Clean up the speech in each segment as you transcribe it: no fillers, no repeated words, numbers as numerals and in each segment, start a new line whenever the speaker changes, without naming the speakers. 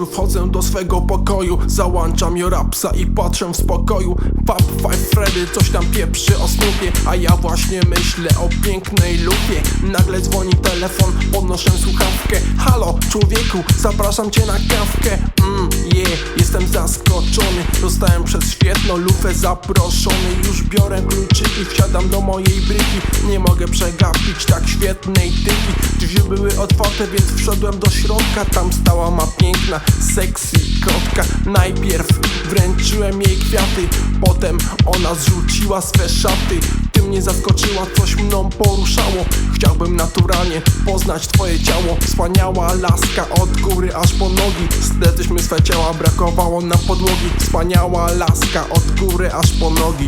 wieczór wchodzę do swego pokoju, załączam Jorapsa i patrzę w spokoju. Fab Five Freddy coś tam pieprzy o Snoopie, a ja właśnie myślę o pięknej lupie. Nagle dzwoni telefon, podnoszę słuchawkę. Halo człowieku, zapraszam cię na kawkę. Jestem zaskoczony, zostałem przez świetną lufę zaproszony. Już biorę kluczyki, wsiadam do mojej bryki. Nie mogę przegapić tak świetnej tyki. Drzwi były otwarte, więc wszedłem do środka. Tam stała ma piękna, sexy kotka. Najpierw wręczyłem jej kwiaty, potem ona zrzuciła swe szaty. Ty mnie zaskoczyła, coś mną poruszało. Chciałbym naturalnie poznać twoje ciało. Wspaniała laska od góry aż po nogi. Stleczyśmy swe ciała, brakowało nam podłogi. Wspaniała laska od góry aż po nogi.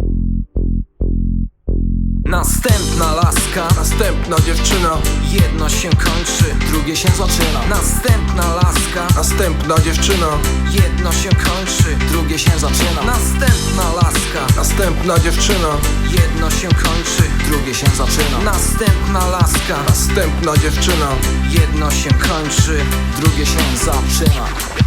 Następna laska,
następna dziewczyna.
jedno się kończy, drugie się zaczyna. Następna laska,
Następna dziewczyna.
jedno się kończy, drugie się zaczyna. Następna laska,
Następna dziewczyna.
jedno się kończy, drugie się zaczyna. Następna laska,
Następna dziewczyna.
jedno się kończy, drugie się zaczyna.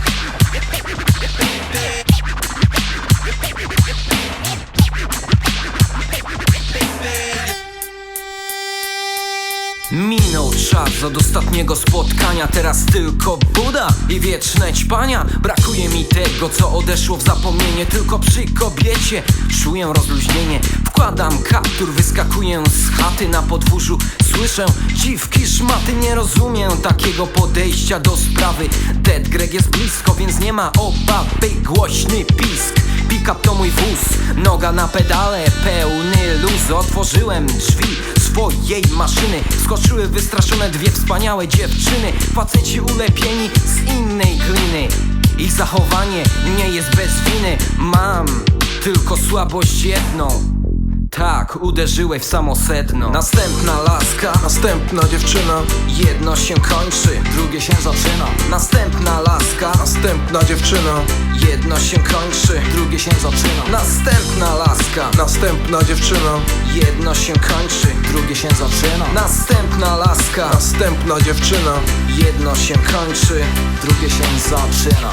Minął czas od ostatniego spotkania, teraz tylko Buda i wieczne ćpania. Brakuje mi tego, co odeszło w zapomnienie. Tylko przy kobiecie czuję rozluźnienie. Wkładam kaptur, wyskakuję z chaty. Na podwórzu słyszę dziwki, szmaty. Nie rozumiem takiego podejścia do sprawy. Dead Greg jest blisko, więc nie ma obawy. Głośny pisk, pick-up to mój wóz. Noga na pedale, pełny luz. Otworzyłem drzwi swojej maszyny. Skoczyły wystraszone dwie wspaniałe dziewczyny. Faceci ulepieni z innej gliny. Ich zachowanie nie jest bez winy. Mam tylko słabość jedną. Tak, uderzyłeś w samo sedno. Następna laska,
Następna dziewczyna.
jedno się kończy, drugie się zaczyna. Następna laska,
Następna dziewczyna.
jedno się kończy, drugie się zaczyna. Następna laska,
Następna dziewczyna.
jedno się kończy, drugie się zaczyna. Następna laska,
Następna dziewczyna.
jedno się kończy, drugie się zaczyna.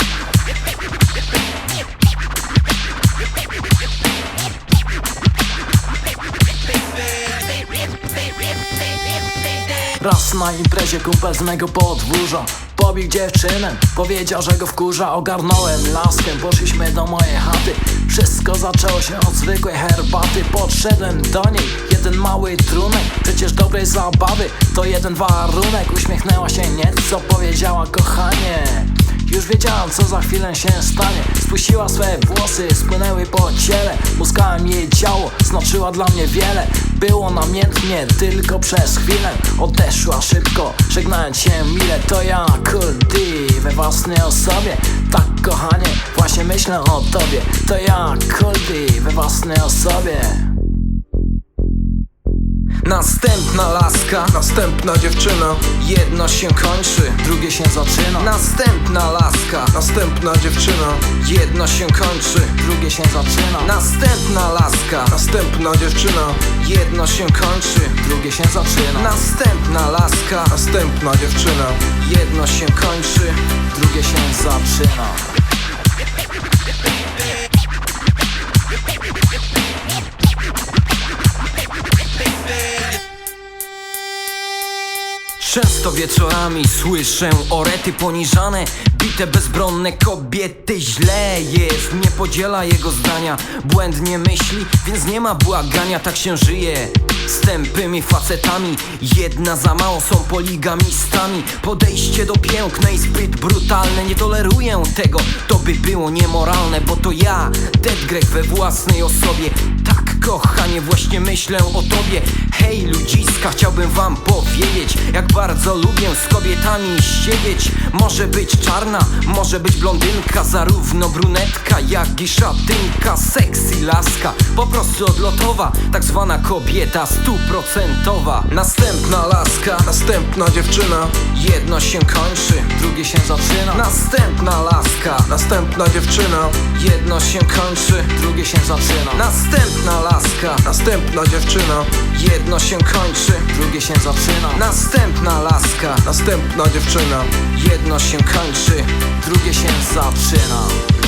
Raz na imprezie kumpel z mego podwórza pobił dziewczynę, powiedział, że go wkurza. Ogarnąłem laskę, poszliśmy do mojej chaty. Wszystko zaczęło się od zwykłej herbaty. Podszedłem do niej, jeden mały trunek. Przecież dobrej zabawy to jeden warunek. Uśmiechnęła się nieco, powiedziała kochanie. Już wiedziałam, co za chwilę się stanie. Spuściła swe włosy, spłynęły po ciele. Muskałem jej ciało, znaczyła dla mnie wiele. Było namiętnie, tylko przez chwilę. Odeszła szybko, żegnając się mile. To ja, Cool D, we własnej osobie. Tak kochanie, właśnie myślę o tobie. To ja, Cool D, we własnej osobie. Następna laska,
Następna dziewczyna.
jedno się kończy, drugie się zaczyna. Następna laska,
Następna dziewczyna.
jedno się kończy, drugie się zaczyna. Następna laska,
Następna dziewczyna.
jedno się kończy, drugie się zaczyna. Następna laska,
Następna dziewczyna.
jedno się kończy, drugie się zaczyna. Często wieczorami słyszę orety poniżane, bite bezbronne kobiety. Źle jest, nie podziela jego zdania. Błędnie myśli, więc nie ma błagania. Tak się żyje z tępymi facetami. Jedna za mało, są poligamistami. Podejście do pięknej zbyt brutalne. Nie toleruję tego, to by było niemoralne. Bo to ja, Dead Greg we własnej osobie. Tak kochanie, właśnie myślę o tobie. Hej ludziska, chciałbym wam powiedzieć, jak bardzo lubię z kobietami siedzieć. Może być czarna, może być blondynka, zarówno brunetka jak i szatynka. Sexy laska, po prostu odlotowa, tak zwana kobieta 100%. Następna laska,
Następna dziewczyna.
jedno się kończy, drugie się zaczyna. Następna laska,
Następna dziewczyna.
jedno się kończy, drugie się zaczyna. Następna laska,
Następna dziewczyna.
Jedno się kończy,
drugie się zaczyna.
następna laska.
Następna dziewczyna.
Jedno się kończy,
Drugie się zaczyna.